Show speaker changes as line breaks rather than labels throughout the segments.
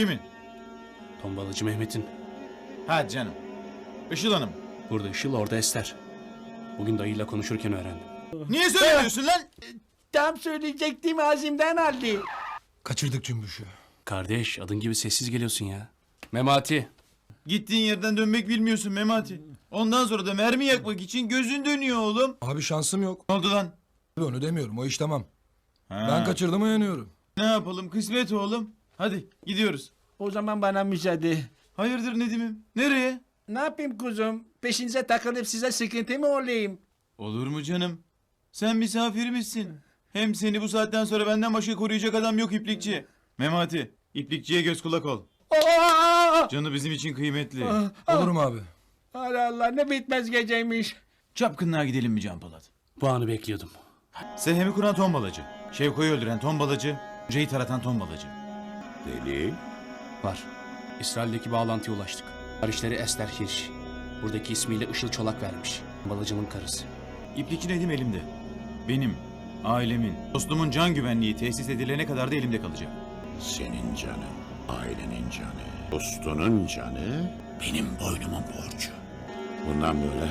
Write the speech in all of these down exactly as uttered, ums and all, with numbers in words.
Kimin?
Tombalacı Mehmet'in.
Ha canım. Işıl Hanım.
Burada Işıl, orada Ester. Bugün dayıyla konuşurken öğrendim.
Niye söylemiyorsun lan?
Tam söyleyecektim ağzımdan aldı.
Kaçırdık Cümbüş'ü.
Kardeş, adın gibi sessiz geliyorsun ya. Memati.
Gittiğin yerden dönmek bilmiyorsun Memati. Ondan sonra da mermi yakmak için gözün dönüyor oğlum.
Abi şansım yok.
Ne oldu lan?
Onu demiyorum, o iş tamam.
Ha.
Ben kaçırdım, uyanıyorum.
Ne yapalım, kısmet oğlum. Hadi gidiyoruz.
O zaman bana müsaade.
Hayırdır Nedim'im? Nereye?
Ne yapayım kuzum? Peşinize takılıp size sıkıntı mı olayım?
Olur mu canım? Sen misafirimizsin. Hem seni bu saatten sonra benden başka koruyacak adam yok İplikçi. Memati, İplikçiye göz kulak ol.
Aa!
Canı bizim için kıymetli.
Olurum abi.
Allah Allah, ne bitmez geceymiş.
Çapkınlığa gidelim mi Can Polat?
Bu anı bekliyordum.
Sehemi kuran tombalacı. Şevko'yu öldüren tombalacı. Hocayı taratan tombalacı.
Delil?
Var. İsrail'deki bağlantıya ulaştık. Kardeşleri Ester Hirsch. Buradaki ismiyle Işıl Çolak vermiş. Tombalacının karısı.
İplikçi Nedim elimde. Benim, ailemin, dostumun can güvenliği tesis edilene kadar da elimde kalacak.
Senin canın, ailenin canı, dostunun canı benim boynumun borcu. Bundan böyle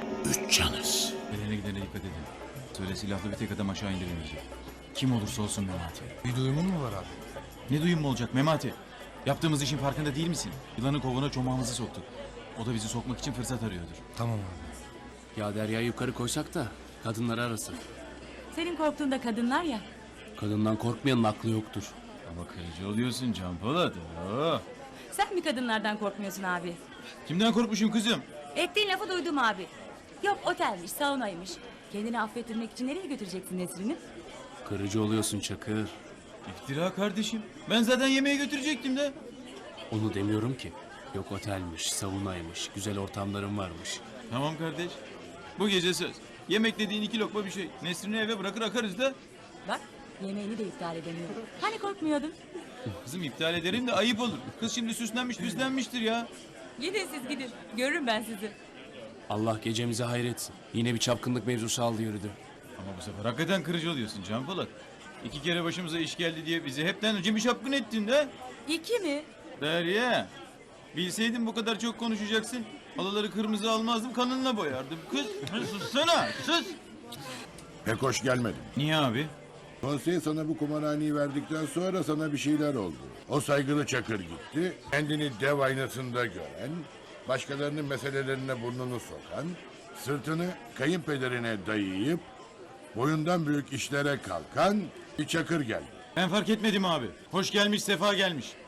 üç canız.
Gelene gidene dikkat edin. Söyle silahlı bir tek adam aşağı indirilmeyecek. Kim olursa olsun Memati.
Bir duyumun mu var abi?
Ne duyum mu olacak Memati? Yaptığımız işin farkında değil misin? Yılanın kovuğuna çomağımızı soktuk. O da bizi sokmak için fırsat arıyordur.
Tamam abi.
Ya Derya'yı yukarı koysak da kadınları arasın.
Senin korktuğun da kadınlar ya.
Kadından korkmayanın aklı yoktur.
Ama kırıcı oluyorsun Can Polat. Oo.
Sen mi kadınlardan korkmuyorsun abi?
Kimden korkmuşum kızım?
Ettiğin lafı duydum abi. Yok otelmiş, saunaymış. Kendini affettirmek için nereye götüreceksin Nesrin'i?
Kırıcı oluyorsun Çakır.
İftira kardeşim. Ben zaten yemeğe götürecektim de.
Onu demiyorum ki. Yok otelmiş, savunaymış, güzel ortamların varmış.
Tamam kardeş. Bu gece söz. Yemek dediğin iki lokma bir şey. Nesrin'i eve bırakır akarız da.
Bak yemeğini de iptal edemiyorum. Hani korkmuyordun?
Kızım iptal ederim de ayıp olur. Kız şimdi süslenmiş püslenmiştir ya.
Gidin siz gidin. Görürüm ben sizi.
Allah gecemizi hayretsin. Yine bir çapkınlık mevzusu aldı yürüdü.
Ama bu sefer hakikaten kırıcı oluyorsun Can Polat. İki kere başımıza iş geldi diye bizi hepten önce bir şapkın ettin de.
İki mi?
Derya. Bilseydim bu kadar çok konuşacaksın. Alaları kırmızı almazdım, kanınla boyardım. Kız sussana, sus.
Pek hoş gelmedin.
Niye abi?
Konsey sana bu kumarhaneyi verdikten sonra sana bir şeyler oldu. O saygılı Çakır gitti, kendini dev aynasında gören, başkalarının meselelerine burnunu sokan, sırtını kayınpederine dayayıp, boyundan büyük işlere kalkan bir Çakır geldi.
Ben fark etmedim abi. Hoş gelmiş, sefa gelmiş.